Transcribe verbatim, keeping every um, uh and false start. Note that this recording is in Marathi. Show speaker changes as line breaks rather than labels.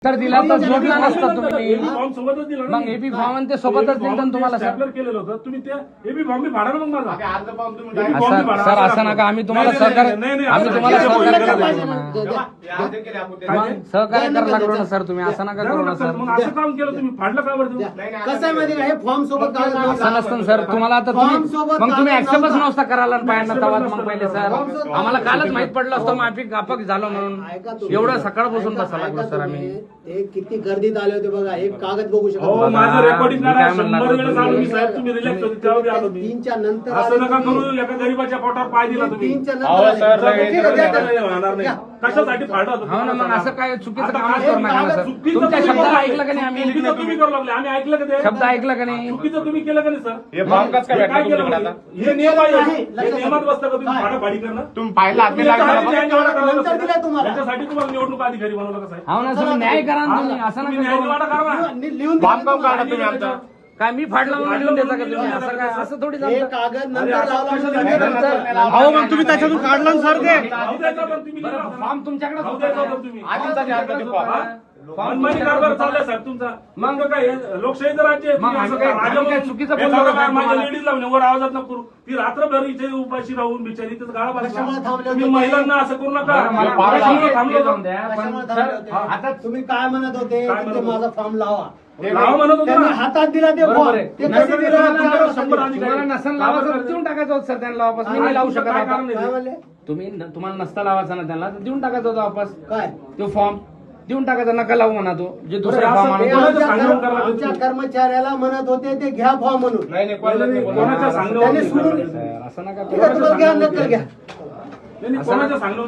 तर दिला तर जोडला नसता तुम्ही
फॉर्म सोबतच दिला
मग एबी फॉर्म आणि ते सोबतच दिलं तुम्हाला सर.
स्टॅपलर केलेलं होतं तुम्ही ते एबी फॉर्म मी फाडा ना मग माझा
असं सर असं नका आम्ही तुम्हाला सहकार्य आम्ही तुम्हाला सहकार्य करायला लागलो ना सहकार्य करायला लागलो ना सर तुम्ही असं नका करू ना सर.
मग असं काम केलं तुम्ही फाडलं का बरं तुम्ही?
कसं आहे माहिती का हे फॉर्म सोबत
असं नसतं सर तुम्हाला आता तुम्ही मग तुम्ही ऍक्सेप्टच नव्हता करायला पाहिजे ना तवाच मग पहिले सर आम्हाला कालच माहित पडलं असतं मग आम्ही गापक झालो म्हणून एवढं सकाळपासून बसायला लागलो सर आम्ही.
ते किती गर्दीत आले होते बघा एक कागद बघू
हो
शकतो
माझं रेकॉर्डिंग करा शंभर वेळेस आलो मी साहेब तुम्ही रिलॅक्स होते तेव्हा बी आलो मी
तीनच्या नंतर
असं नका करू एका गरीबाच्या पोटावर पाय दिला तुम्ही
तीनच्या
अहो,
नंतर
सर,
आले. ठीक आहे, द्या, द्या.
होणार नाही कशासाठी फाडलं होतं
हो ना मग असं काय चुकीचं
आता
कामच
हे
करू नका ना सर.
चुकीचं
तुमच्या
तुम्ही
शब्द
करू
ऐकलं का नाही आम्ही
चुकीचं तुम्ही करू लागले आम्ही ऐकलं का ते
शब्द ऐकलं का नाही
चुकीचं तुम्ही केलं का नाही सर
हे फॉर्म कसं काय
हे
भेटलं
काय केलं
तुमच्याकडे
म्हणजे?
आता?
हे नियम आहे
आहे.
हे नियमात बसतं का तुम्ही
काय?
फाडाफाडी करणं
तुम्ही पाहिलं
तुम्ही
आत्मीला
याच्यासाठी न्याय निवाडा करायला
नंतर दिलाय
बसला.
तुम्हाला.
याच्यासाठी तुम्हाला निवडणूक अधिकारी बनवलं कसं आहे
हो ना सर न्याय करा ना तुम्ही असं
तुम्ही
नका
न्याय
करू.
निवाडा करा ना
नि- लिहून द्या
फॉर्म काढून काढा तुम्ही आमचा
काय मी फाडला म्हणून लिहून देता का तुम्ही असं काय असं थोडी
हे
चालतं.
कागद नंतर
अरे, असं
लावला
कशाला
म्हणजे
नंतर-
नंतर-
अहो, मग तुम्ही त्याच्यातून काढलं ना सर ते.
राहू द्यायचा पण तुम्ही
बरं,
लिहा.
फॉर्म तुमच्याकडेच
राहू
होता
द्यायचा
ना.
पण तुम्ही
आधीच आधी अर्ज ते फॉर्म.
हा? मनमानी कारभार चाललाय साहेब तुमचा मग काय हे लोकशाहीचं राज्य आहे.
मग
तुम्ही असं
आम्ही काय-
राजा
आम्ही काय
म्हणून
चुकीचं
हे
बोललो
सगळं
का
काय माझ्या
तुम्हाला?
लेडीज लावून वर आवाजात नको करू ती रात्रभर इथे उपाशी राहून बिचारी तिथं गाळा
कशामुळे
बसला
थांबले
तुम्ही
होते?
महिलांना असं करू नका
बरं, मला-
फार
मला
थांबलो
हे-
थांबलो
हे जाऊन द्या. पण
कशामुळे
सर,
थांबले होते?
आता
तुम्ही काय म्हणत होते
काय
की
म्हणत
ते
होते?
माझा फॉर्म लावा
लावा म्हणत होतो
त्यांनी
ना
हातात दिला ते
बरोबर
फॉर्म
आहे.
ते
नसेल
कसे
दिलं
दिलं
तर
तुम्हाला
शंभर
सांगा.
अधिकारी-
तुम्हाला नसन लावायचं देऊन टाकायचं होतं सर त्यांना वापस मी नाही लावू शकत
काय
आता
कारण नाही?
काय म्हणले
तुम्ही न- तुम्हाला नसता लावायचा ना त्यांना तर देऊन टाकायचा होता वापस
काय
तो फॉर्म देऊन टाकायचा नका लावू म्हणा तो जे दुसरा
बरं,
फॉर्म
असं
ते
आणून
कोणाचं
आमच्या
सांगणं
कर्म-
करायला
आमच्या
तुम्ही?
कर्मचाऱ्याला म्हणत होते ते घ्या फॉर्म म्हणून
नाही नाही कोणाला नाही बोलणार.
कोणाच्या सांगण्यावर
त्यांनी
नाही
सोडून
करायचं.
सर, असं नका
ठीक आहे
करू.
तुम्हाला घ्या नक्कल घ्या
नाही, नाही, कोणाच्या सांगण्यावर